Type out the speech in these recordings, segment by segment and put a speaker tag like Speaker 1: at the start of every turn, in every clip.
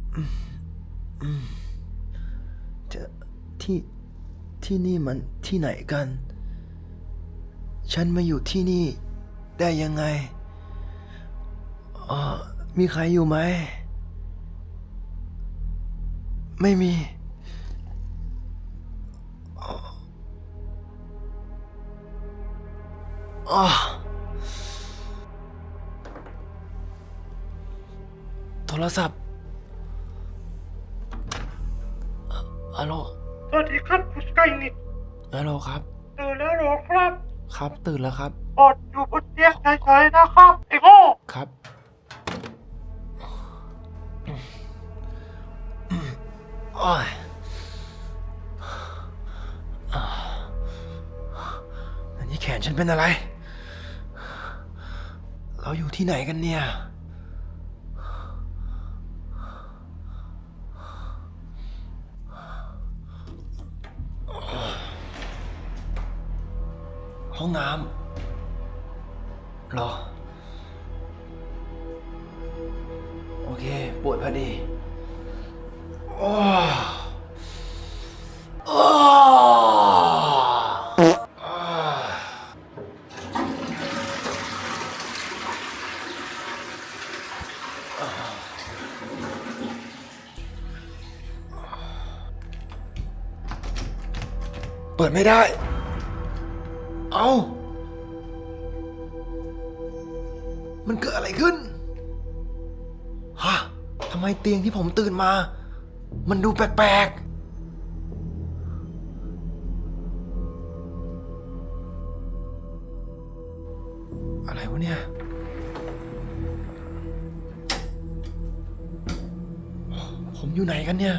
Speaker 1: จะที่ที่นี่มันที่ไหนกัน ฉันมาอยู่ที่นี่ได้ยังไงมีใครอยู่ไหมไม่มีโทรศัพท์ฮัลโหล
Speaker 2: สวัสดีครับคุณไก่นิด
Speaker 1: ฮัลโหลครับ
Speaker 2: ตื่นแล้วเหรอครับ
Speaker 1: ครับตื่นแล้วครับ
Speaker 2: อดอยู่บนเตียงเฉยๆนะครับไอ้โง่
Speaker 1: ครับโอ้ยอันนี้แขนฉันเป็นอะไร เราอยู่ที่ไหนกันเนี่ยห้องน้ำหรอโอเคปวดพอดีโอ้โอ้เปิดไม่ได้เอ้ามันเกิดอะไรขึ้นฮะทำไมเตียงที่ผมตื่นมามันดูแปลกๆอะไรวะเนี่ยผมอยู่ไหนกันเนี่ย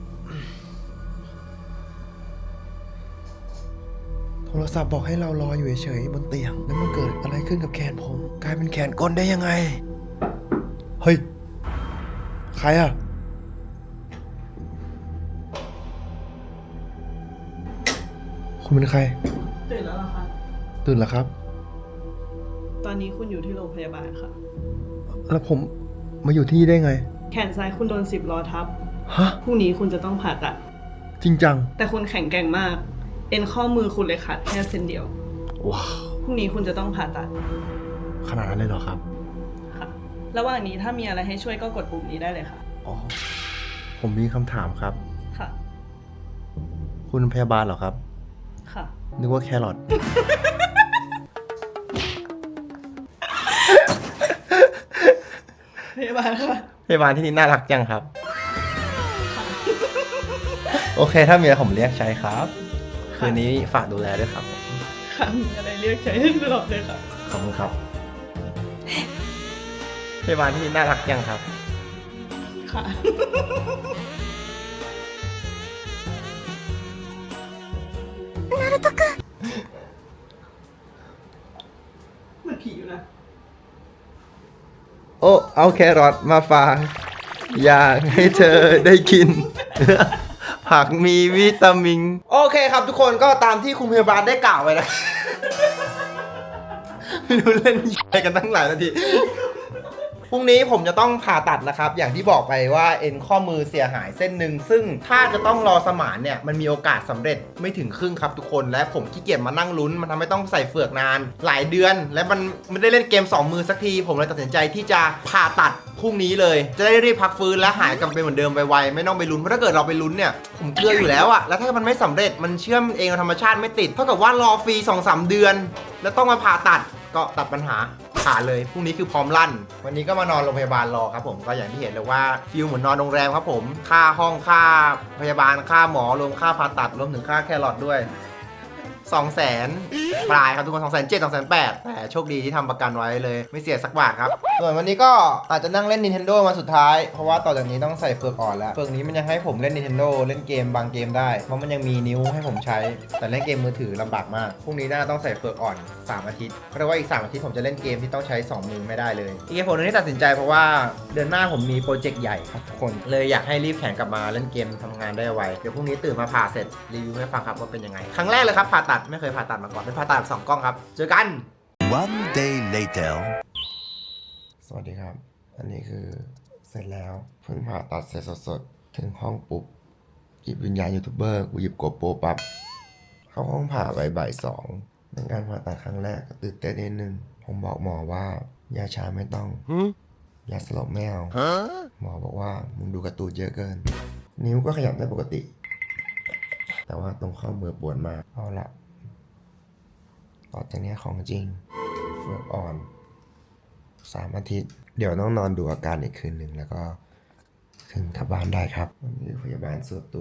Speaker 1: โทรศัพท์บอกให้เรารออยู่เฉยๆบนเตียงแล้วมันเกิดอะไรขึ้นกับแขนผมกลายเป็นแขนกลได้ยังไงเฮ้ยใครอะคุณเป็นใคร
Speaker 3: ตื่นแล้วเหรอคะ
Speaker 1: ตื่นแล้วครับ
Speaker 3: ตอนนี้คุณอยู่ที่โรงพยาบาลค่ะ
Speaker 1: แล้วผมมาอยู่ที่นี่ได้ไง
Speaker 3: แขนซ้ายคุณโดน10 ล้อทับ
Speaker 1: ฮะ
Speaker 3: พรุ่งนี้คุณจะต้องผ่าตัด
Speaker 1: จริงจัง
Speaker 3: แต่คุณแข็งแกร่งมากเอ็นข้อมือคุณเลยขาดแค่เส้นเดียว
Speaker 1: ว้าว
Speaker 3: พรุ่งนี้คุณจะต้องผ่าตัด
Speaker 1: ขนาดนั้นเลยเหรอครับ
Speaker 3: ค่ะระหว่างนี้ถ้ามีอะไรให้ช่วยก็กดปุ่มนี้ได้เลยค่ะ
Speaker 1: อ๋อผมมีคำถามครับ
Speaker 3: ค่ะ
Speaker 1: คุณพยาบาลเหรอครับ
Speaker 3: ค่ะ
Speaker 1: นึกว่าแครอท
Speaker 3: พยาบาลค่ะ
Speaker 1: พยาบาลที่นี่น่ารักจังครับโอเคถ้ามีอะไรผมเรียกใช้ครับคืนนี้ฝากดูแลด้วยครับ
Speaker 3: ค่ะมีอะไรเรียกใช้ตลอดเลยค่ะ
Speaker 1: ขอบคุณครับพยาบาลที่นี่น่ารักจังครับ
Speaker 3: ค่ะนารุโตะเหมือนผีอยู่นะ
Speaker 1: โอ้เอาแครอทมาฝากอยากให้เธอได้กินผักมีวิตามินโอเคครับทุกคนก็ตามที่คุณพยาบาลได้กล่าวไว้นะไม่รู้เล่นอะไรกันตั้งหลายนาทีพรุ่งนี้ผมจะต้องผ่าตัดนะครับอย่างที่บอกไปว่าเอ็นข้อมือเสียหายเส้นหนึ่งซึ่งถ้าจะต้องรอสมานเนี่ยมันมีโอกาสสำเร็จไม่ถึงครึ่งครับทุกคนและผมขี้เกียจมานั่งลุ้นมันทำให้ต้องใส่เฟือกนานหลายเดือนและมันไม่ได้เล่นเกม2 มือสักทีผมเลยตัดสินใจที่จะผ่าตัดพรุ่งนี้เลยจะได้รีบพักฟื้นและหายกลับไปเหมือนเดิมไวๆไม่ต้องไปลุ้นเพราะถ้าเกิดเราไปลุ้นเนี่ยผมเกลืออยู่แล้วอะแล้วถ้ามันไม่สำเร็จมันเชื่อมเองธรรมชาติไม่ติดเท่ากับว่ารอฟรี 2-3 เดือนแล้วต้องมาผ่าตัดก็ตัดปัญหาผ่าเลยพรุ่งนี้คือพร้อมลั่นวันนี้ก็มานอนโรงพยาบาลรอครับผมก็อย่างที่เห็นเลยว่าฟิลเหมือนนอนโรงแรมครับผมค่าห้องค่าพยาบาลค่าหมอรวมค่าผ่าตัดรวมถึงค่าแครอทด้วย200,000 ปลายครับทุกคน270,000 280,000แต่โชคดีที่ทำประกันไว้เลยไม่เสียสักบาทครับส่วนวันนี้ก็อาจจะนั่งเล่น Nintendo มาสุดท้ายเพราะว่าต่อจากนี้ต้องใส่เฟือกอ่อนแล้วเฟือกนี้มันยังให้ผมเล่น Nintendo เล่นเกมบางเกมได้เพราะมันยังมีนิ้วให้ผมใช้แต่เล่นเกมมือถือลำบากมากพรุ่งนี้น่าต้องใส่เฟือกอ่อน3 อาทิตย์เพราะว่าอีก3 อาทิตย์ผมจะเล่นเกมที่ต้องใช้2 มือไม่ได้เลยอีกเหตุผลนึงที่ตัดสินใจเพราะว่าเดือนหน้าผมมีโปรเจกต์ใหญ่ครับทุกคนเลยอยากให้รีบแข่งกลับมาเล่นเกมทำงานได้ไวเดี๋ยวพรุ่งนี้ตื่นมาผ่าเสร็จรีวิวให้ฟังครับว่าเป็นยังไงครั้งแรกเลยครับผ่าตัดไม่เคยผ่าตัดมาก่อนเป็นผ่าตัดแบบ2 กล้องครับเจอกัน One day later สวัสดีครับอันนี้คือเสร็จแล้วเพิ่งผ่าตัดเสร็จสดๆถึงห้องปุ๊บหยิบวิญญาณยูทูบเบอร์กูหยิบโกโปรปั๊บเข้าห้องผ่าบ่ายสองเป็นการผ่าตัดครั้งแรกตื่นเต้นนิดนึงผมบอกหมอว่ายาชาไม่ต้องยาสลบไม่เอาหมอบอกว่ามึงดูการ์ตูนเยอะเกิน นิ้วก็ขยับได้ปกติ แต่ว่าตรงข้อมือปวดมากเอาละต่อจากนี้ของจริงเฟือกอ่อน3 อาทิตย์ เดี๋ยวต้องนอนดูอาการอีกคืนหนึ่งแล้วก็ถึงกลับบ้านได้ครับวันนี้พยาบาลส่วนตัว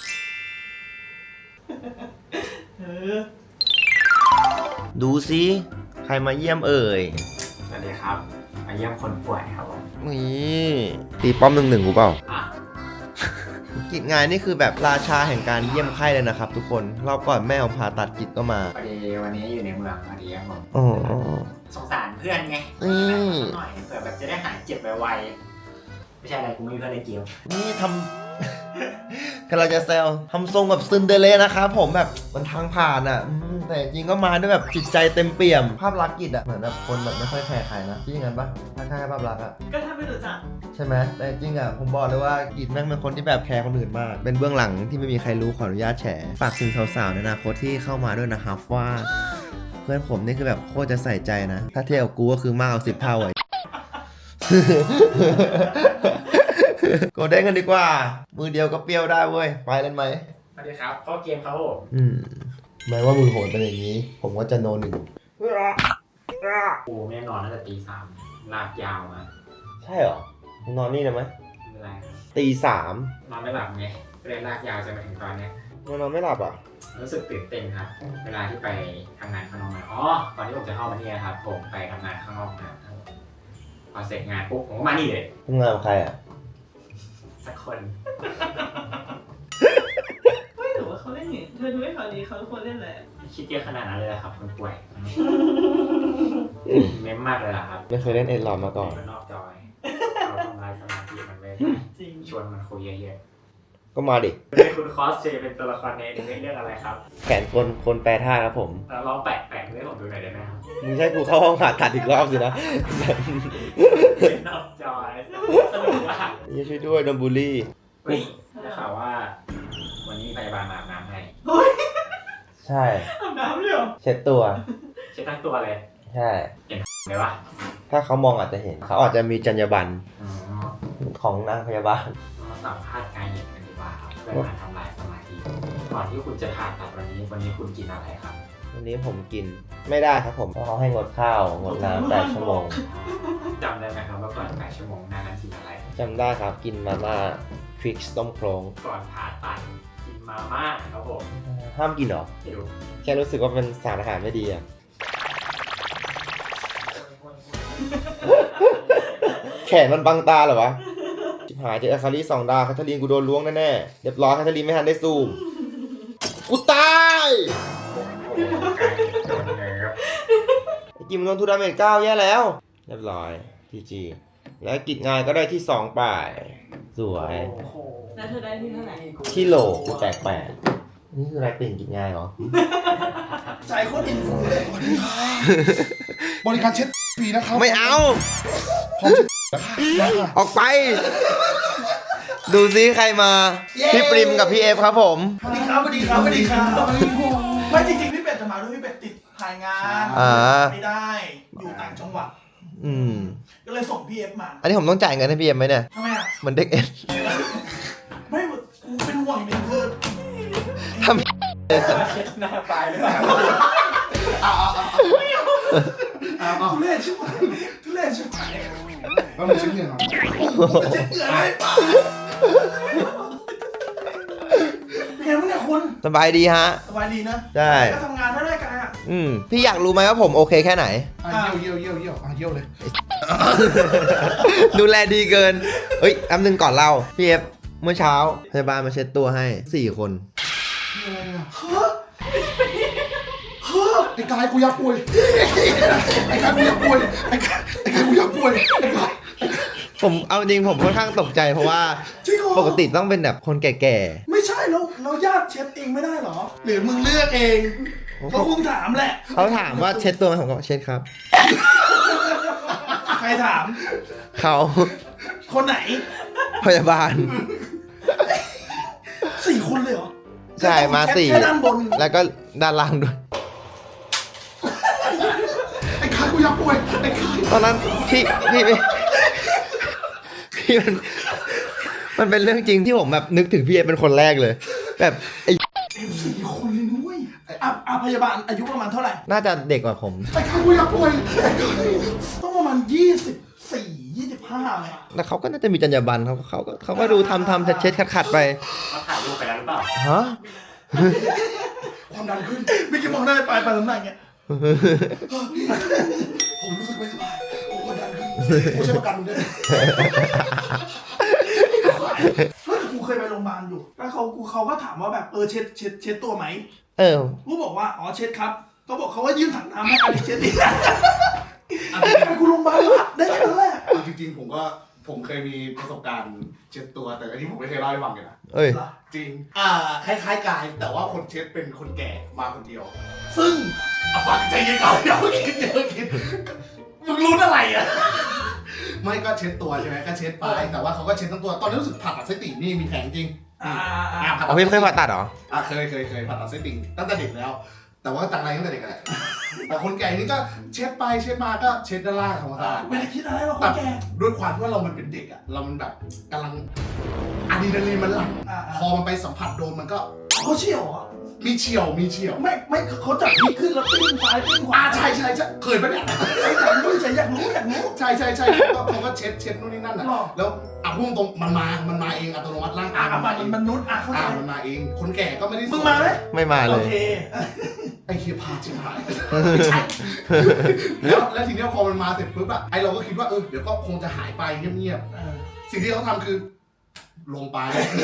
Speaker 1: ดูสิใครมาเยี่ยมเอ่ย
Speaker 4: สวัสดีครับ มาเยี่ยมคนป่วยครับผม
Speaker 1: นี่ตีป้อม1-1กูเปล่า
Speaker 4: อ่ะ
Speaker 1: กิจงานนี่คือแบบราชาแห่งการเยี่ยมไข้เลยนะครับทุกคนรอบก่อนแม่ผมผ่าตัดกิจก็มา
Speaker 4: พอดีวันนี้อยู่ในเมืองพอดีครับผม
Speaker 1: โอ้
Speaker 4: สงสารเพื่อนไง
Speaker 1: นี่
Speaker 4: หน่อยเผื่อแบบจะได้หายเจ็บไวๆไม่ใช่อะไรกูไม่มีเพื่อนในเกม
Speaker 1: นี่ทำ กำลังจะแซวทำทรงแบบซึนเดอเรลนะครับผมแบบมันทางผ่านอ่ะแต่จริงก็มาด้วยแบบจิตใจเต็มเปี่ยมภาพลักษณ์กิจอ่ะเหมือนแบบคนแบบไม่ค่อยแคร์ใครนะที่อย่างนั้นปะถ้าแค่ภาพลักษณ์อ่ะ
Speaker 3: ก็ถ้าไม่รู้จัก
Speaker 1: ใช่ไหมแต่จริงอ่ะผมบอกเลยว่ากิจแม่งเป็นคนที่แบบแคร์คนอื่นมากเป็นเบื้องหลังที่ไม่มีใครรู้ขออนุญาตแฉฝากถึงสาวๆในอนาคตที่เข้ามาด้วยนะครับว่าเพื่อนผมนี่คือแบบโคตรจะใส่ใจนะถ้าเทียบกับกูก็คือมากกว่า10 เท่าไอ้ โกเด้งกันดีกว่า มือเดียวก็เปรี้ยวได้เว้ย ไปเล่นไหม
Speaker 4: สวัสดีครับเข้าเกมครับผม
Speaker 1: แม้ว่ามือโหดเป็นอย่างนี้ ผมก็จะโน1
Speaker 4: กูไม่ได้นอนตั้งแต่ตี 3ลากยาวมา
Speaker 1: ใช่เหรอ นอนนี่เลยไหม
Speaker 4: ไม่เป็นไร
Speaker 1: ตี 3
Speaker 4: นอนไม่หลับไงก็เลยลากยาวจนมาถึงตอนเนี้ย
Speaker 1: นอนไม่หลับอ่ะ
Speaker 4: รู้สึกตื่นเต้นครับ เวลาที่ไปทำงานข้างนอกมาอ๋อก่อนที่ผมจะเข้ามานี่นะครับผมไปทำงานข้างนอกนะครับพอเสร็จงานปุ๊บผมก็มานี่เลย
Speaker 1: ทำงานกับใครอ่ะ
Speaker 4: สักคน
Speaker 3: ไม่หรือว่าเขาเล่นอย่างเธอดูให้เขาดีเขาควรเล่นแหละ
Speaker 4: คิดเยอะขนาดนั้นเลยเหรอครับคนป่วย เม้มมากเลยเหรอครับ
Speaker 1: ไม่เคยเล่นเอ็นหลอดมาก่อน
Speaker 4: มันนอกจอยเราทำลายสมาธิมันไว้
Speaker 3: จริง
Speaker 4: ชวนมันคุยเยอะ
Speaker 1: ก็มาดิ
Speaker 4: ๆเป็นคุณคอสเจเป็นตัวละครในเรื่องอะไรครับ
Speaker 1: แขนคนแปรท่าครับผม
Speaker 4: ลองแปะให้ผมดูหน่อยได้ไหมครับ
Speaker 1: มึงใช่กูเข้าห้องผ่าตัดอีกรอบสินะ
Speaker 4: เป็นนอกจอยสนุกมาก
Speaker 1: อย่าช่วยด้วยโดนบูลลี่
Speaker 4: เฮ้ยได้ข่าวว่า วันนี้พยาบาลมาอาบน้ำให้
Speaker 1: ใช่
Speaker 3: อาบน้ำเลยเหรอ
Speaker 1: เช็ดตัว
Speaker 4: เช็ดทั้งตัวเลย
Speaker 1: ใช่
Speaker 4: เลยวะ
Speaker 1: ถ้าเขามองอาจจะเห็น เขาอาจจะมีจรรยาบรรณ
Speaker 4: อ๋อ
Speaker 1: ของนางพยาบาล
Speaker 4: มาสัมภาษณ์การเย็นกันดีกว่าครับเพื่อมาทำลายสมาธิก่อนที่คุณจะผ่าตัดวันนี้คุณกินอะไรครับ
Speaker 1: วันนี้ผมกินไม่ได้ครับผมเพราะเขาให้งดข้าวงดน้ำ8 ชั่วโมง
Speaker 4: จำได้ไหมครับว่าก่อน8 ชั่วโมงหน้านั้นกินอะไร
Speaker 1: จำได้ครับกินมาม่าฟริกต้มโครง
Speaker 4: ก่อนผ่าตัดกินมาม่าครับผม
Speaker 1: ห้ามกินเหรอ
Speaker 4: ไม่รู้
Speaker 1: แค่รู้สึกว่าเป็นสารอาหารไม่ดีอะแขนมันบังตาเหรอวะชิบหายเจออาคารี2 ดาวแคทเธอรีนกูโดนล้วงแน่ๆเรียบร้อยแคทเธอรีนไม่ทันได้ซูมกูตาย
Speaker 4: โอ้โหการโดนเลยครับ
Speaker 1: ไอ้กิมโดนทูดาเมจ9แย่แล้ว เรียบร้อยพีจีแล้วกิจงานก็ได้ที่2ป่ายสวย
Speaker 4: โอ้โห
Speaker 3: แล้วเธอได้ที่เท่าไหร่
Speaker 1: ที่โหลกูแตก8นี่คืออะไรติ่งกิจงานเหรอ
Speaker 5: ใจโคตรอินฟูเลยบริการเช็ดฟรีนะครับ
Speaker 1: ไม่เอา
Speaker 5: พร้อมเช็ดนะคะ
Speaker 1: ออกไป ดูซิใครมา พี่ปริมกับพี่เอฟครับผม
Speaker 5: สวัสดีครับสวัสดีครับสวัสดีครับไม่จริงๆพี่เป็ดจะมาด้วยพี่เป็ดติดถ่ายงาน
Speaker 1: อ่า
Speaker 5: ไม่ได้ อยู่ต่างจังหวัด
Speaker 1: อืม
Speaker 5: ก็เลยส่งพี่เอฟมา
Speaker 1: อันนี้ผมต้องจ่ายเงินให้พี่เอฟไหมเนี่ย
Speaker 5: ทำไมอ่ะ
Speaker 1: เหมือนเด็กเอ็น
Speaker 5: ไม่กูเป็นห่วงอีกหนึ่งคือ
Speaker 1: ทำ
Speaker 4: เช็ดหน้าตายเลยเหรอ
Speaker 5: ทุเรศใช่ไหมทุเรศใช่ไหมแล้วมันชิ้นเงินเหรอเช็ดเหงื่อให้ป่าเป็นไงบ้างเนี่ยคุณ
Speaker 1: สบายดีฮะ
Speaker 5: สบายดีนะ
Speaker 1: ใช่
Speaker 5: ก็ทำงานได้กันอ่ะ
Speaker 1: พี่อยากรู้ไหมว่าผมโอเคแค่ไหน
Speaker 5: เยี่ยวเยี่ยวเลย
Speaker 1: ดูแลดีเกิน เฮ้ยแป๊บนึงก่อนเล่า พี่เอฟเมื่อเช้าพยาบาลมาเช็ดตัวให้4 คน
Speaker 5: อะไรอ่ะไอ้กายกูอยากป่วยไอ้กายกูอยากป่วยไอ้กายกูอยากป่วยไอ้กาย
Speaker 1: ผมเอาจริงผมค่อนข้างตกใจเพราะว่า
Speaker 5: จริงเหรอ
Speaker 1: ปกติต้องเป็นแบบคนแก่
Speaker 5: ไม่ใช่เราญาติเช็ดเองไม่ได้เหรอ หรือมึงเลือกเอง
Speaker 1: ๆ
Speaker 5: เขาคงถามแหละ
Speaker 1: เขาถามว่าเช็ดตัวไหมผมก็เช็ดครับ
Speaker 5: ใครถาม
Speaker 1: เขา
Speaker 5: คคนไหน
Speaker 1: พยาบาล
Speaker 5: 4 คนเลยเหรอ
Speaker 1: ใช่มาสี่
Speaker 5: แค่ด้านบน
Speaker 1: แล้วก็ด้านล่างด้วย
Speaker 5: ไอ้คายกูอยากป่วยไอ้คาย
Speaker 1: ตอนนั้นพี่มันเป็นเรื่องจริงที่ผมแบบนึกถึงพี่เอเป็นคนแรกเลย แบบไอ้
Speaker 5: 4 คนเลยนุ้ยพยาบาลอายุประมาณเท่าไหร่
Speaker 1: น่าจะเด็กกว่าผม
Speaker 5: ไอ้คายกูอยากป่วยไอ้คายต้องประมาณ24-25เลย
Speaker 1: แล้วเขาก็น่าจะมีจรรยาบรรณเขาก็ดูทำเช็ดขัดไป
Speaker 4: เขาถ่ายรูปไปแล้วหรือเปล่า
Speaker 1: ฮะ
Speaker 5: ความดันขึ้นไม่คิดมองได้ไปน้ำหนักเงี้ยผมรู้สึกไม่สบายผมความดันขึ้นกูใช้ประกันมึงได้ไหมกูเคยไปโรงพยาบาลอยู่แล้วเขาก็ถามว่าแบบเช็ดตัวไหม
Speaker 1: เออ
Speaker 5: กูบอกว่าอ๋อเช็ดครับเขาบอกเขาว่ายื่นถังน้ำให้อันนี้เช็ดดิไปกูโรงพยาบาลละได้แค่นั้นแหละ
Speaker 6: จริงๆผมเคยมีประสบการณ์เช็ดตัวแต่อันนี้ผมไม่เคยเล่าให้ฟังเลยนะ
Speaker 1: เอ้ย
Speaker 6: จริงคล้ายๆกายแต่ว่าคนเช็ดเป็นคนแก่มาคนเดียว
Speaker 5: ซึ่ง
Speaker 6: ฟังใจเย็นก่อนเดี๋ยวคิดมึงรู้อะไรอ่ะไม่ก็เช็ดตัวใช่ไหมก็เช็ดไปแต่ว่าเขาก็เช็ดทั้งตัวตอนนี้รู้สึกผ่าตัดไส้ติ่งนี่มีแผลจริงผ่าตั
Speaker 1: เอา
Speaker 6: ด
Speaker 1: พี่เคยผ่าตัดเหรอ
Speaker 6: เคยผ่าตัดไส้ติ่งตั้งแต่เด็กแล้ว แต่ว่าตังไรตั้งแต่เด็กแหละแต่คนแก่นี่ก็เช็ดไปเช็ดมาก็เช็ดด้านล่างธรรมดา
Speaker 5: ไม่ได้คิดอะไรหรอกคนแก่
Speaker 6: ด้วยความที่ว่าเรามันเป็นเด็กอะเรามันแบบกำลังอะดรีนาลีนมันหลั่งพอมันไปสัมผัสโดนมันก็
Speaker 5: เขาเชี่ยวเหรอ
Speaker 6: มีเฉียว
Speaker 5: ไม่เขาจับพีขึ้นแล้วปิ้งซ้ายปิ้งขวา
Speaker 6: ใช่เคยปะเนี่ย
Speaker 5: อยากรู้ใช่
Speaker 6: เขาก็เช็ดนู่นนี่นั่นอะ
Speaker 5: หรอ
Speaker 6: แล้วพูดตรงมันมาเองอัตโนมัติร่างกาย
Speaker 5: มันนุษย์เข้าใจ
Speaker 6: มันมาเองคนแก่ก็ไม่ได้
Speaker 5: มึงมาไหม
Speaker 1: ไม่มาเล
Speaker 5: โอย เค
Speaker 6: ไอ้เคียพาชิบหายแล้วทีเนี้ยพอมันมาเสร็จปุ๊บอะไอเราก็คิดว่าเดี๋ยวก็คงจะหายไปเงียบๆสิ่งที่เขาทำคือลงไป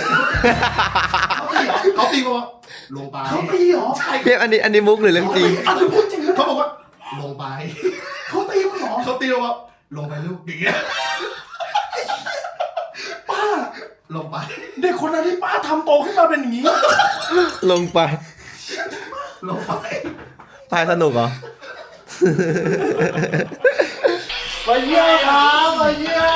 Speaker 6: เขาตีบอกว่าลงไป
Speaker 5: เขาตีเหรอ
Speaker 6: ใช่
Speaker 1: พี่อันนี้มุกหรือเรื่องจริง
Speaker 5: อันนี้พูดจริงนะ
Speaker 6: เขาบอกว่าลงไป
Speaker 5: เขาตีมึงเหรอ
Speaker 6: เขาตีเราว่าลงไปลูกอย่างเงี้ย
Speaker 5: ป้า
Speaker 6: ลงไป
Speaker 5: เด็กคนนั้นที่ป้าทำโตขึ้นมาเป็นอย่างนี้
Speaker 1: ลงไป
Speaker 6: ลงไป
Speaker 1: พายสนุกเหรอ
Speaker 6: มาเยี่ยมครับมาเยี่ย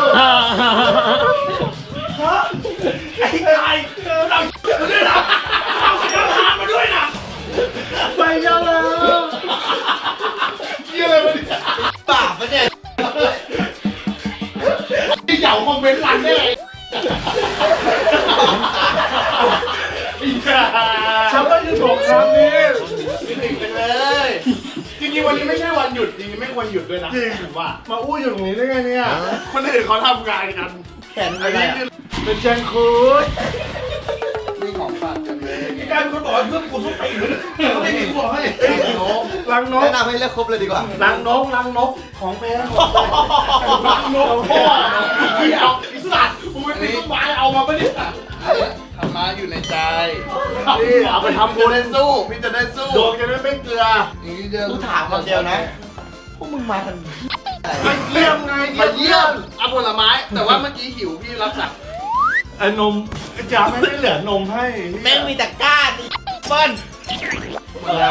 Speaker 6: ม
Speaker 5: ไอ้ไก่เราด้วยนะเอากระถางมาด้วยนะไปเยอะแล้ว
Speaker 6: เยี่ยมเลยมันปากมันเนี่ยที่เหยาคอมเมนต์รันได้ไง
Speaker 5: ฉันไม่ได้บอกครั้งนี้
Speaker 6: ไปเลยจริงๆวันนี้ไม่ใช่วันหยุดจริงๆไม่ควรหยุดด้วยนะจริงว่ามาอู้อยู่ตรงนี้ได้ไงเนี่ยคนอื่นเขาทำงานกันแขนอะไรเป็นแจงคูดมีของฝากกันเลย
Speaker 5: กลายเป็นคนบอกว่าเพื่อนกูสู้ตีนเขาไม่มีกูบอกให้ลังนก
Speaker 1: แนะนำให้เลือกครบเลยดีกว่า
Speaker 5: ลังนกของแพงลังนกพ่อเอาไอ้สัตว์กูไม่ตีต้นไม้เอามาปะเนี่ย
Speaker 6: ธรรมะอยู่ในใจนี่เอาไปทำบุญได้สู้พี่จะได้สู้ดวงจะได้ไม่เกลืออย่างนี้เดียว
Speaker 1: กูถามคำเดียวนะ พวกมึงมาทัน
Speaker 6: มาเยี่ยมไงมาเยี่ยมเอาผลไม้แต่ว่าเมื่อกี้หิวพี่รับสั่ง
Speaker 5: ไอ้นมจ่าไม่ได้เหลือนมให้
Speaker 1: แม่งมีแต่ก้านเปิ้ล
Speaker 5: อะไร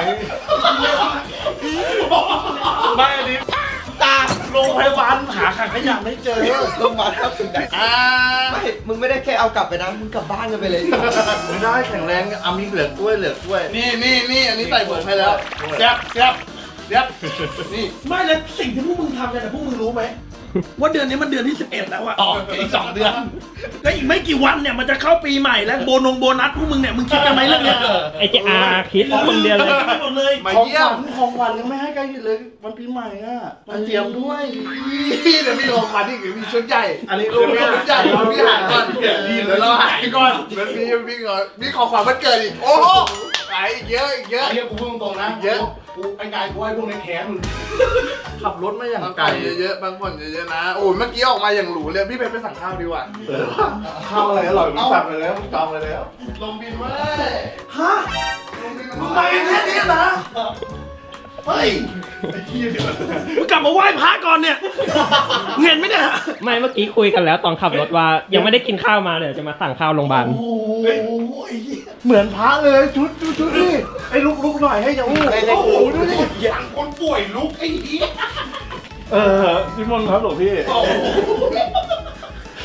Speaker 5: ไม่อันนี้ตาโรงพยาบาลหาขังขยะไม่เจอ
Speaker 1: ลงมาทับถึงไหนไม่มึงไม่ได้แค่เอากลับไปนะ มึงกลับบ้านกันไปเลย
Speaker 5: ไม่ได้แข็งแรงเอามีเหลือกล้วย
Speaker 6: นี่อันนี้ใส่ผมให้แล้วแซ่บนี่
Speaker 5: ไม่แล้วสิ่งที่พวกมึงทำกันแต่พวกมึงรู้ไหมว่าเดือนนี้มันเดือนที่11แล้วอะ
Speaker 6: อีก2 เดือน
Speaker 5: แล้วอีกไม่กี่วันเนี่ยมันจะเข้าปีใหม่แล้วโบนัสพวกมึงเนี่ยมึงคิดกันไหมเรื่องเนี้ย
Speaker 7: ไอ้เจ้าคิดคนเดียวเลย
Speaker 5: หมดเลย
Speaker 6: มาเยี่ยม
Speaker 5: ของขวัญยังไม่ให้ใกล้เลยวันปีใหม่อะมาเตรียมด้วย
Speaker 6: พี่เดี๋ยวมีของขวัญอีกเดี๋ยวมีชุดใหญ่
Speaker 5: อันนี้
Speaker 6: เดี๋ยวมีชุดใหญ่เดี๋ยวพี่หายก่อนเดี๋ยวเราหายก่อนเดี๋ยวมีก่อนมีของขวัญวันเกิดอีกโอ้โหหายอีกเยอะอีกเยอะไอ้เหี้ยกูพูดตรงๆนะเยอะกูไอ้กายกูให้พวกนี้แค้นมึง
Speaker 5: ขับรถมาอย่าง
Speaker 6: บาง
Speaker 5: ไกล
Speaker 6: คนเยอะๆบางคนเยอะๆนะโอ้ยเมื่อกี้ออกมาอย่างหรูเลยพี่เพชรไปสั่งข้าวดีกว่า
Speaker 5: ข้าวอะไรอร่อยมึงสั่งไปแล้วมึงจองไปแล้ว
Speaker 6: ลงบินเว้ย
Speaker 5: ฮะ
Speaker 6: ลงบิน
Speaker 5: มึงมาแค่นี้นะ
Speaker 6: เฮ้ยไอ้เหี้ยเดี๋ยว
Speaker 5: มึงกลับมาไหว้พระก่อนเนี่ยเห็นไหมเนี่ย
Speaker 7: ไม่เมื่อกี้คุยกันแล้วตอนขับรถว่ายังไม่ได้กินข้าวมาเดี๋ยวจะมาสั่งข้าวโรงพยาบาล
Speaker 5: โอ้ยเหมือนพระเลยชุดนี่ไอ้ลุกหน่อยให้จะอู้โอ้โหดูดิ
Speaker 6: อย่างคนป่วยลุกไอ้เหี้ย
Speaker 5: นิมนต์ครับหลวงพี่
Speaker 6: โอ้โห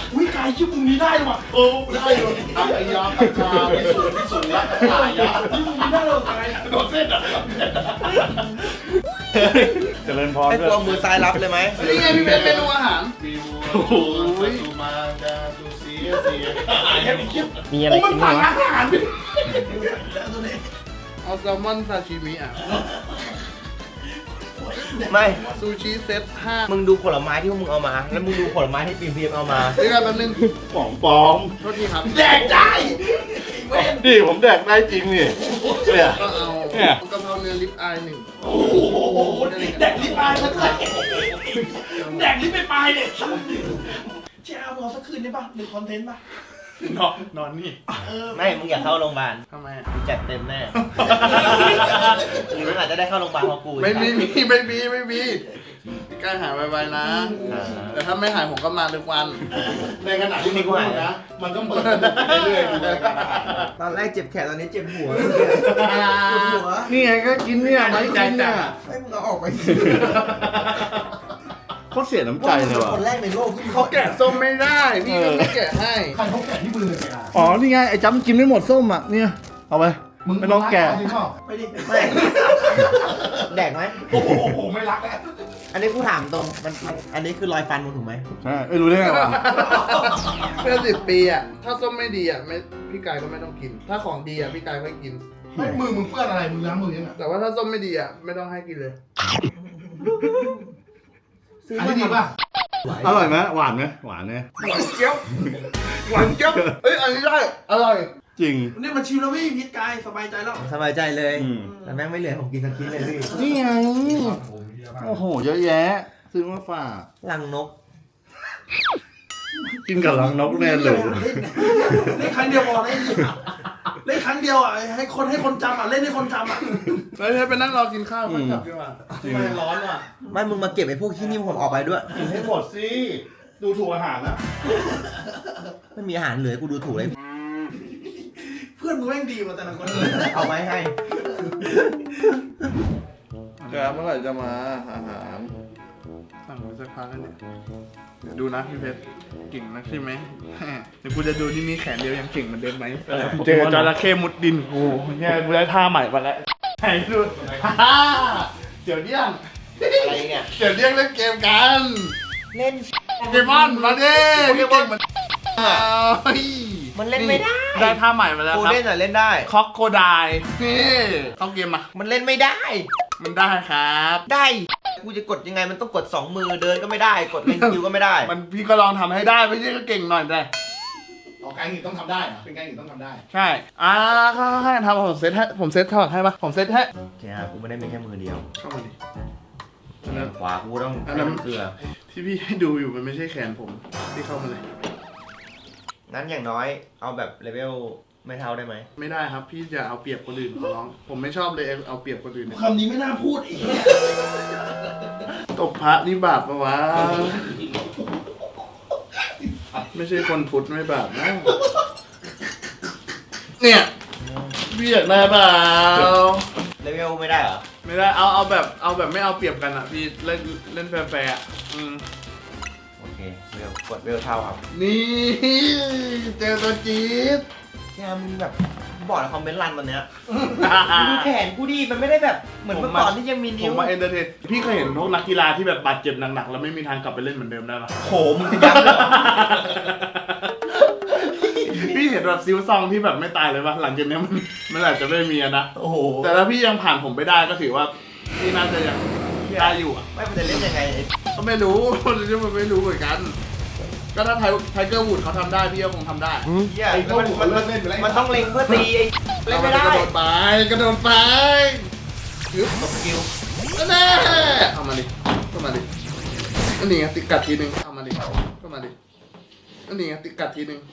Speaker 5: ชื่อมึงนี้ได้หรอโอ้ได้อยู่อายาตะกาพิสูจน์รักอายาชื่อมึงนี้ได้หรอไงโดนเส้นอ่ะเจริญพร
Speaker 1: ให้
Speaker 5: ด้วย
Speaker 1: ตัวมือซ้ายรับเลยไหม
Speaker 6: นี่ไงพี่เป็นเมนูอาหาร
Speaker 5: โอ้โหดูมาจะดูเสียแค่ไม่คิด
Speaker 7: มีอะไร
Speaker 5: มัน
Speaker 7: กิน
Speaker 5: สั่
Speaker 7: บ้าง งวะ
Speaker 5: อาหารดิ
Speaker 6: เอาแซลมอนซาชิมิอ่ะ
Speaker 1: ไม่
Speaker 6: ซูชิเซต5
Speaker 1: มึงดูผลไม้ที่พวกมึงเอามา แล้วมึงดูผลไม้ที่พีมเอามา
Speaker 6: เดี๋ยวกันแป๊บนึง
Speaker 5: ปองปอง
Speaker 6: โทษทีครับ
Speaker 5: แดกได้ดิผมแดกได้จริงนี่เนี่ย
Speaker 6: ก็เอา
Speaker 5: เนี่ย
Speaker 6: กะเพราเนื้อลิปอาย1
Speaker 5: โอ้โหแดกลิ้นปลายมันเลยแดกลิ้นไปปลายเนี่ยเจ้าเอาสักคืนได้ป่ะหนึ่งคอนเทนต์ป่ะนอนนี่
Speaker 1: ไม่ มึงอยากเข้าโรงพยาบาล
Speaker 6: ทำไมอ่ะ
Speaker 1: กูจัดเต็มแน่ หรือมึงอาจจะได้เข้าโรงพยาบาลเพราะกู
Speaker 6: ไม่มีพี่กล้าหายไวๆนะ แต่ถ้าไม่หายผมก็มาทุกวัน
Speaker 5: ในขณะที่มันพูดนะ มันก็เปิดเรื่อยๆอยู่ในการอาหาร
Speaker 1: ตอนแรกเจ็บแขนตอนนี้เจ็บหัวหัว
Speaker 6: นี่ไงก็กินเนี่ยไม่กินเนี่ย
Speaker 1: ให้มึงเอาออกไป
Speaker 5: เขาเสียน้ำใจเลยว่ะ
Speaker 1: คนแรกในโลกที่
Speaker 6: เขาแกะส้มไม่ได้ พี่ก็ไม่แกะให้
Speaker 5: ใครเขาแกะที่มือเลยอ่ะ
Speaker 6: อ๋อ นี่ไง ไอ้จำกินไม่หมดส้มอ่ะ เนี่ย เอาไป ไม่ต้องแกะ
Speaker 1: ไม่ดิไม่แดกไหม
Speaker 5: โอ้โหไม่รักแล้ว
Speaker 1: อันนี้กูถามตรงอันนี้คือรอยฟันมึงถูกไหม
Speaker 5: ใช่ไม่รู้ได้ไงวะ
Speaker 6: เพื่อ10 ปีอ่ะ ถ้าส้มไม่ดีอ่ะไม่พี่กายก็ไม่ต้องกิน ถ้าของดีอ่ะพี่กายก็กิน
Speaker 5: ไม่มือมึงเปื้อนอะไรมึงล้างมือยังไง
Speaker 6: แต่ว่าถ้าส้มไม่ดีอ่ะไม่ต้องให้กินเลย
Speaker 5: อันนี้ดีป่ะอร่อยไหมหวานไหมหวานเนี่ย
Speaker 6: หวานเจี๊ยบหวานเจี๊ยบเอ้ย อันนี้ได้ อร่อย
Speaker 5: จริง
Speaker 6: นี่มันชิมแล้วพี่พิษกายสบายใจแล้ว
Speaker 1: สบายใจเลย
Speaker 5: อืม
Speaker 1: แต่แม่งไม่เหลือผมกินสักชิ้นเลยพี่
Speaker 6: นี่ไง โอ้โห เยอะแยะ ซื้อมาฝาก
Speaker 1: ลังนก
Speaker 5: กินกับรังนกแน่เลย
Speaker 8: เล่นครั้งเดียวพอเล่นครั้งเดียวอ่ะให้คนจำอ่ะเล่นให้คนจำอ่ะ
Speaker 6: ไปนั่งรอกินข้าวค่อยกลับดีกว่า
Speaker 5: จริง
Speaker 8: ทำไมร้อนว่ะ
Speaker 1: ไม่มึงมาเก็บไอ้พวกที่นี่ผมออกไปด้วย
Speaker 5: กินให้หมดสิ ดูถูกอาหารนะ
Speaker 1: ไม่มีอาหารเหลือกูดูถูกเลย
Speaker 8: เพื่อนมึงแม่งดีกว่าแต่ละคน
Speaker 1: เอาไว้ให้
Speaker 6: เดี๋ยวเมื่อไหร่จะมาอาหารสั่งมาสักพักแล้วเนี่ยเดี๋ยวดูนะพี่เพชรเก่งนักใช่ไหมเดี๋ยวกูจะดูนี่มีแขนเดียวยังเก่งเหมือนเดิมไหมเจอจระเข้มุดดินกูเนี่ยกูได้ท่าใหม่มาแล้วไหนดูเดี๋ยวเดี่ยง
Speaker 1: อะไรเนี่ย
Speaker 6: เดี๋ยวเดี่ยงเล่นเกมกัน
Speaker 1: เล่น
Speaker 6: โปเกมอนมาดิพี่เก่งเหมือนเฮ้ย
Speaker 1: มันเล่นไม่ได้
Speaker 6: ได้ท่าใหม่มาแล้ว
Speaker 1: กู
Speaker 6: ครับ
Speaker 1: เล่นอ่ะเล่นได้
Speaker 6: คอกโคไดนี่เข้าเกมมา
Speaker 1: มันเล่นไม่ได้
Speaker 6: มันได้ครับ
Speaker 1: ได้ กูจะกดยังไงมันต้องกด2มือเดินก็ไม่ได้ กดเล่นคิวก็ไม่ได้
Speaker 6: มันพี่ก็ลองทำให้ได้ไม่ใช่ก็เก่งหน่อยได้
Speaker 5: ออกการหินต้องทำได้เหรอเป็นการหินต้องทำได้
Speaker 6: ใช่ให้ทำผมเซตให้ผมเซตเข้าให้ปะผมเซตให้
Speaker 1: โอเคครับกูไม่ได้มีแค่มือเดียว
Speaker 6: เข้ามาดิ
Speaker 1: ขวากูต้อง
Speaker 6: อันนั้น
Speaker 1: ให้เกลือ
Speaker 6: ที่พี่ให้ดูอยู่มันไม่ใช่แขนผมพี่เข้ามาเลย
Speaker 1: งั้นอย่างน้อยเอาแบบเลเวลไม่เท่าได้ไหม
Speaker 6: ไม่ได้ครับพี่จะเอาเปรียบคนอื่นขอร้องผมไม่ชอบเลยเอาเปรียบคนอื่นเนี่ย
Speaker 5: คำนี้ไม่น่าพูดอีก
Speaker 6: ตบพระนี่บาปปะวะไม่ใช่คนพุทธไม่บาปนะเนี่ยพี่อยากได้เปล่า
Speaker 1: เลเวลไม่ได้เหรอ
Speaker 6: ไม่ได้เอาแบบไม่เอาเปรียบกันอ่ะพี่เล่นแฟร์ๆอ่ะ
Speaker 1: โอเคกดเวลเท่าครับ
Speaker 6: นี่เจอตัวจี๊ด
Speaker 1: แค่มึงแบบบอกในคอมเมนต์รันวันเนี้ยดูแขนกูดิมันไม่ได้แบบเหมือนเมื่อก่อนที่ยังมี
Speaker 6: ผ
Speaker 1: นิ้
Speaker 6: ม
Speaker 1: ว
Speaker 6: มาเอนเตอร์เทนพี่เคยเห็นพวกนักกีฬาที่แบบบาดเจ็บหนักๆแล้วไม่มีทางกลับไปเล่นเหมือนเดิมได้ปะ
Speaker 1: โหมึงจะยับเลยเหรอ
Speaker 6: พี่เห็นแบบซิวซองที่แบบไม่ตายเลยปะหลังจากเนี้ยมันอาจจะไม่มีอะนะ
Speaker 1: โอ้โห
Speaker 6: แต่ถ้าพี่ยังผ่านผมไปได้ก็ถือว่าพี่น่าจะยังได้อยู่อ่ะ
Speaker 1: ไม่มันจะเล่นยังไงไอ้
Speaker 6: ก็ไม่รู้ มันไม่รู้เหมือนกัน ก็ถ้าไทเกอร์วูดเขาทำได้พี่ก็คงทำได้
Speaker 1: เหี้ย
Speaker 5: ไอ้พวก
Speaker 1: มัน
Speaker 5: เลิกเล่นไปแล้ว
Speaker 1: มันต้องเล็งเพื่อตีไอ้เล่นไม่ได้
Speaker 6: กระโดดไปกระโดดไปยึบ
Speaker 1: กดสกิล
Speaker 6: แน่เอามาดิเข้ามาดิอันนี้ไงติดกัดทีนึงเอามาดิเข้ามาดิอันนี้ไงติดกัดทีนึง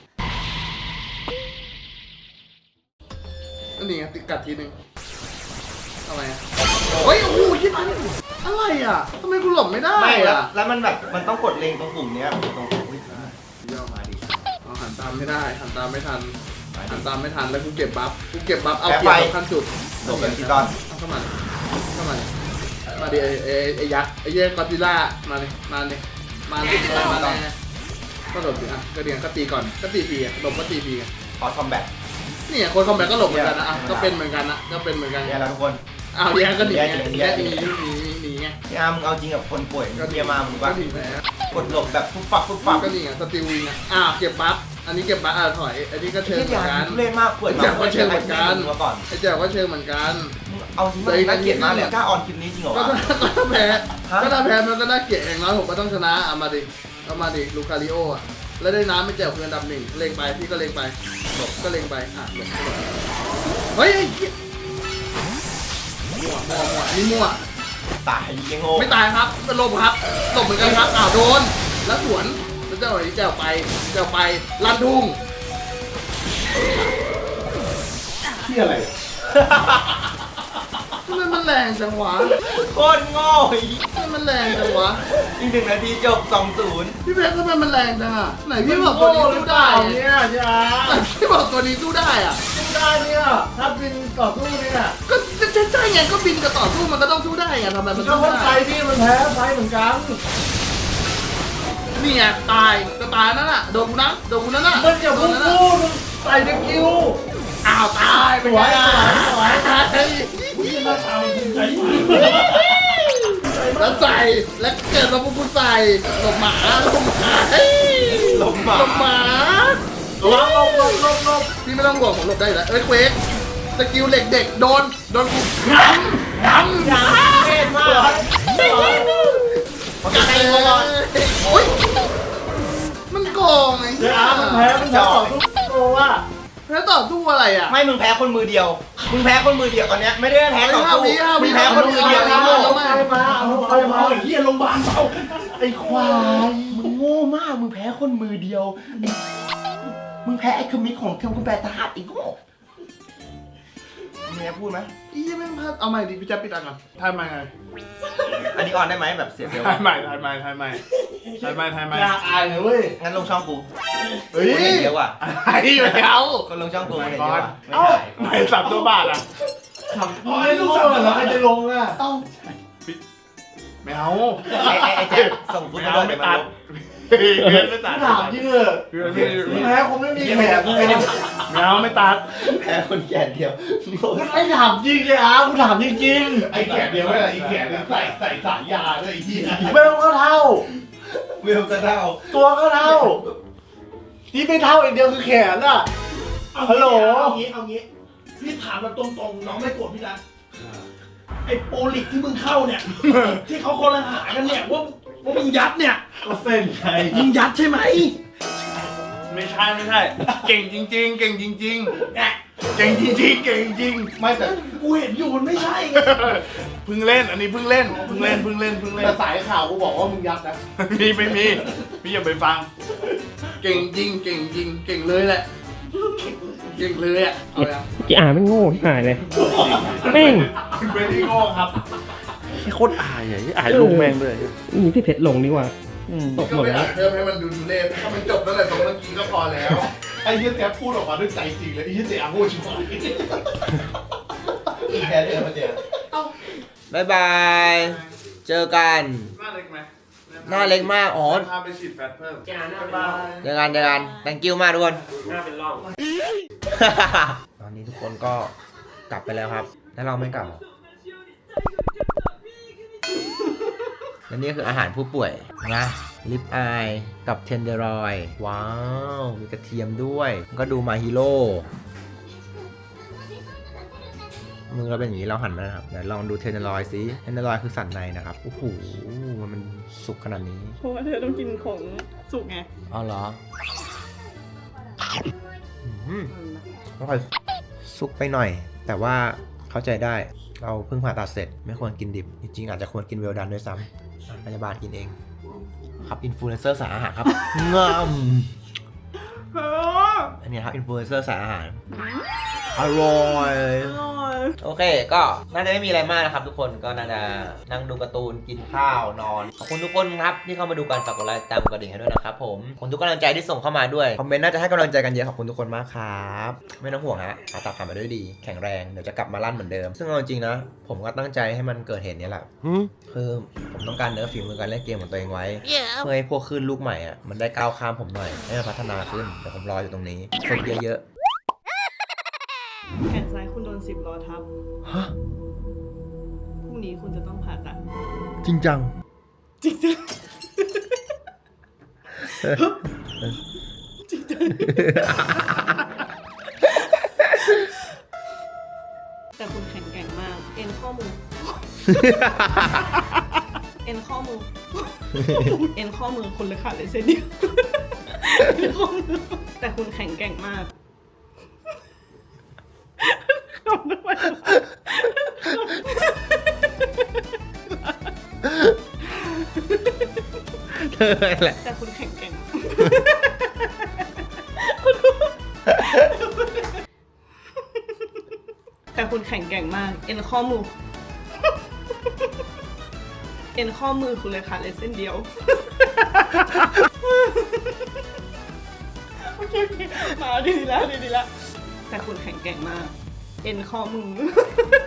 Speaker 6: อันนี้ไงติดกัดทีนึงอะไรอ่ะเฮ้ยโอ้โหยิงอะไรอ่ะทำไมกูหลบไม่ได้
Speaker 1: ไม่แล้ว
Speaker 6: อ่ะ
Speaker 1: แล้วมันแบบมันต้องกดเล็งตรงปุ่มเนี้ยตรงอุ้ยย่อมาดิ
Speaker 6: เอาหันตามไม่ได้หันตามไม่ทันหันตามไม่ทันแล้วกูเก็บบัฟเอา
Speaker 1: แพ้
Speaker 6: เก็
Speaker 1: ไฟ
Speaker 6: บขั้นสุด
Speaker 1: โดดแบบกีตอน
Speaker 6: เอาเข้ามาดิมาดิไอ้ยักษ์ไอ้เย่กอดซิลล่ามาดิมาเลยก็หลบสิอ่ะก็เดียงก็ตีก่อนก็ตีฟรีอ่ะหลบก็ตีฟรีอ่ะ
Speaker 1: คอร์สคอมแบท
Speaker 6: เนี่ยคนคอมแบทก็หลบเหมือนกันนะอ่ะก็เป็นเหมือนกันนะก็เป็นเหมือนกัน
Speaker 1: เนี่ยแล้วทุกคน
Speaker 6: อ้าวแย่ก็หนีไง
Speaker 1: แย่
Speaker 6: แย่หนีไง
Speaker 1: พี่อาร์มเอาจริงกับคนป่วย
Speaker 6: ก็
Speaker 1: เทียมามึง
Speaker 6: ก็
Speaker 1: ว่า
Speaker 6: หนีแล้ว
Speaker 1: กดหลบแบบฟุบฟับฟุบฟับ
Speaker 6: ก็นี่ไงสติลวิงอ่ะเก็บบัฟอันนี้เก็บบัฟถอยอันนี้ก็เชิงเหมือนกัน
Speaker 1: เล่นมากป่วยมา
Speaker 6: ก็เชิงเหมือนกัน
Speaker 1: มาก่อน
Speaker 6: ไอ้แจ๋วก็เชิงเหมือนกัน
Speaker 1: เอาจริงมันน่าเกลียดมากเลยกล้าออนคลิปนี้จริงเหรอ
Speaker 6: ก็
Speaker 1: วะ
Speaker 6: ถ้าแพ้ก็ถ้าแพ้มันก็น่าเกลียดอย่างน้อยผมก็ต้องชนะเอามาดิลูคาริโออ่ะแล้วได้น้ำไม่แจ๋วคืออันดับ 1เล็งไปพี่ก็เล็งไปหลบก็เล็งไปหลบเฮ้ยมั่วนี่มั่ว
Speaker 1: ตายยังโง่
Speaker 6: ไม่ตายครับเป็นลมครับหลบเหมือนกันครับโดนแล้วสวนแล้วเจ้าหน่อยแจ๋วไปลั่นทุ่ง
Speaker 8: ที่อะไร
Speaker 6: ทำไมมันแรงจังวะ
Speaker 1: โคตรโง่อีก
Speaker 6: ทำไมมันแรงจังวะ
Speaker 1: อีก1 นาทีจบ 2-0
Speaker 6: พี่เพชรทำไมมันแรงจังอ่ะไหนพี่บอกตัวนี้สู้ได้
Speaker 8: เนี่ยจ้า
Speaker 6: พี่บอกตัวนี้สู้ได้อ่ะ
Speaker 8: สู้ได้เนี่ยถ้าบินต่อสู้เนี่ย
Speaker 6: ก็ใช่ไงก็บินกับต่อสู้มันก็ต้องสู้ได้ไงทำไมมัน
Speaker 8: ก็
Speaker 6: สู้
Speaker 8: ว่าไฟ
Speaker 6: ได้
Speaker 8: พี่มันแพ้ไฟเหมือนกัน
Speaker 6: นี่ไงตายจะตายนั่นน่ะโดนกูนะน่ะ
Speaker 8: มันอย่าพูด
Speaker 6: โดนกู
Speaker 8: มึงใส่เด็กคิว
Speaker 6: อ้าวตายไป
Speaker 8: สวย
Speaker 6: ไง
Speaker 8: สวย
Speaker 6: ตาย
Speaker 8: พี่หน้าตามันภูมิใจมาก
Speaker 6: แล้วใส่แล้วเกิดมาปุ๊บกูใส่หลบหมาเฮ้ย
Speaker 1: หลบหมา
Speaker 6: ลบพี่ไม่ต้องห่วงผมหลบได้อยู่แล้วเควกสกิลเหล็กเด็กโดนกูย้ำ
Speaker 1: เท่มาก
Speaker 6: กัดเลยโอ๊ยมันโกงไง
Speaker 8: เดี๋ยวมันแพ้ต่อสู้โกว่า
Speaker 6: แล้วต่อสู้อะไรอ่ะ
Speaker 1: ไม่มึงแพ้คนมือเดียวมึงแพ้คนมือเดียวตอนเนี้ยไม่ได้แพ้ต่อสู้
Speaker 6: ห้าวิ
Speaker 1: มึงแพ้คนมือเดียว
Speaker 6: ห้า
Speaker 1: ไอ้
Speaker 6: วิ
Speaker 1: โง่
Speaker 8: เอาไฟมาไอ้เหี้ยโรงพยาบาลเปล่าไอ้ควาย
Speaker 1: มึงโง่มากมึงแพ้คนมือเดียวมึงแพ้ไอ้คมิกของคุณแปรตาดอีกโง่มีอะไรพูดไหม
Speaker 6: อีไม่พลาดเอาใหม่ดิพี่แจ๊บปิดอ่ะก่อนทายใหม่ไง
Speaker 1: อันนี้ออนได้ไหมแบบเสียเซลล์
Speaker 8: ทายใหม่อยากอายเลยเว้ย
Speaker 1: งั้นลงช่องกู
Speaker 6: เฮ้ย
Speaker 1: คนเห็นเยอะว่ะ
Speaker 6: ไอ้อยู่แล้ว
Speaker 1: คนลงช่องกูคนเห็นเยอะว่ะ
Speaker 8: เอ้าไม่สับตัวบาทอ่ะไม่รู้แล้วใครจะลงอ่ะ
Speaker 6: เอ้า
Speaker 8: ไม่เอา
Speaker 1: ไอ้แจ๊คส่งฟุตบอลเดี๋ยวมาลบ
Speaker 8: ไม่ตัดถามที่เถอะแพ้คงไม่มีแขกเลยไม่เอาไม่ตัด
Speaker 1: แพ้คนแก่เดียว
Speaker 8: ไอ้ถามจริงเลยอ่ะกูถามจริงๆไอ้แขกเดียวไม่ใช่ไอ้แขกใส่สายยาด้วยไอ้ที่เวลก็เท่า
Speaker 1: เวลก็เท่า
Speaker 8: ตัวก็เท่าที่ไม่เท่าอีกเดียวคือแขนอ่ะฮัลโหลเอางี้พี่ถามแบบตรงๆน้องไม่โกรธพี่นะไอ้โปรลิกที่มึงเข้าเนี่ย ที่เขาคนละหากันเนี่ยว่ามึงยัดเนี่ยก็เส้นไงมึงยัดใช่ไหม
Speaker 5: ไม่ใช่เก่งจริงๆเก่งจริง
Speaker 8: เก่งจริงไม่แต่กูเห็นอยู่มันไม่ใช่ไง
Speaker 5: ๆเพิ่งเล่นอันนี้เพิ่งเล่น
Speaker 8: แต่สายข่าวกูบอกว่ามึงยัดนะ
Speaker 5: ไม่มีพี่อย่าไปฟัง
Speaker 6: เก่งจริงเก่งเลยแหละเก่งเลยอ่ะเอาละ
Speaker 7: กี่อ่านไม่โง่ที่หายเลยแม่ง
Speaker 5: เป็นที่โง่ครับ
Speaker 8: โคตรอายอ่ะอายลุงแม่งเลย
Speaker 7: นี่พี่เพชรลงดีกว่าตกหม
Speaker 6: ก็
Speaker 7: ด
Speaker 6: ไม่
Speaker 7: แล้
Speaker 6: อาว จเพิ่มให้มันดูเล่ห์ถ้ามันจบตั้งแต่ตรงเมื่อกี้ก็พอแล้ว
Speaker 8: ไอ้เหี้ยแจ๊บพูดออกมาด้วยใจจริงเลยไอ้เหี้ยเจ๊อาโง่ชิบหาย
Speaker 1: แพ้เดียวมาเจอบายบาย เจอกัน
Speaker 6: หน้าเล็กไหม
Speaker 1: หน้าเล็กมากอ๋อ
Speaker 6: พาไปฉีดแฟตเพิ่ม
Speaker 7: จานหน้าเป็นร่อง
Speaker 1: เจอกัน thank you มากทุกคน
Speaker 7: หน้าเป็นร่อง
Speaker 1: ตอนนี้ทุกคนก็กลับไปแล้วครับ แล้วเราไม่กลับ และนี่คืออาหารผู้ป่วยนะลิปอายกับเทนเดอรอยว้าว มีกระเทียมด้วยก็ดูมาฮีโร่มือเราเป็นอย่างนี้เราหันมานะครับเดี๋ยวลองดูเทนเดอรอยซิเทนเดอรอยคือสันในนะครับโอ้โหมันสุกขนาดนี้
Speaker 3: เพราะว่าเธอต้องกินของสุกไง
Speaker 1: อ๋อเหรอต้องคอยซุกไปหน่อย แต่ว่าเข้าใจได้เราเพิ่งผ่าตัดเสร็จไม่ควรกินดิบ จริงๆอาจจะควรกินเวลดันด้วยซ้ำพยาบาลกินเอง ครับอินฟลูเอนเซอร์สายอาหารครับ งามอันนี้ครับอินฟลูเอนเซอร์สายอาหารอร่อย
Speaker 3: อร่อย
Speaker 1: โอเค ก็น่าจะไม่มีอะไรมากนะครับทุกคน ก็น่าจะนั่งดูการ์ตูน กินข้าว นอน ขอบคุณทุกคนครับที่เข้ามาดูกัน ฝากกดไลค์ตามกดกระดิ่งให้ด้วยนะครับผม ขอบคุณทุกกำลังใจที่ส่งเข้ามาด้วย คอมเมนต์น่าจะให้กำลังใจกันเยอะ ขอบคุณทุกคนมากครับ ไม่ต้องห่วงฮะผ่าตัดผ่านมาด้วยดี แข็งแรง เดี๋ยวจะกลับมาลั่นเหมือนเดิม ซึ่งเอาจริงๆนะ ผมก็ตั้งใจให้มันเกิดเหตุนี้แหละคือผมต้องการเนื้อฝีมือการเล่นเกมของตัวเองไว้ เพื่อให้พวกคลื่นลูกใหม่อ่ะ มันได้ก้าวข้ามผมหน่อย ให้มันพัฒนาขึ้น เดี๋ยวผมรออยู่ตรงนี้ฝึกเยอะ
Speaker 3: แขนซ้ายคุณโดน10 ล้อทับ
Speaker 1: ๆฮะ
Speaker 3: พรุ่งนี้คุณจะต้องผ่าตัด
Speaker 1: จริงจัง
Speaker 3: จริงจังจริงจังแต่คุณแข็งแกร่งมาก เอ็นข้อมือ เอ็นข้อมือ เอ็นข้อมือคุณเลยขาดเลยเส้นเดียวเอ็นข้อมือแต่คุณแข็งแกร่งมากขำทำไมวะ
Speaker 1: เธอแหละ
Speaker 3: แต่คุณแข็งแกร่ง แต่คุณแข็งแกร่งมาก เอ็นข้อมือ เอ็นข้อมือคุณเลยขาดเลยเส้นเดียว โอเคมาดีแล้ว แต่คุณแข็งแกร่งมาก เอ็นข้อมือ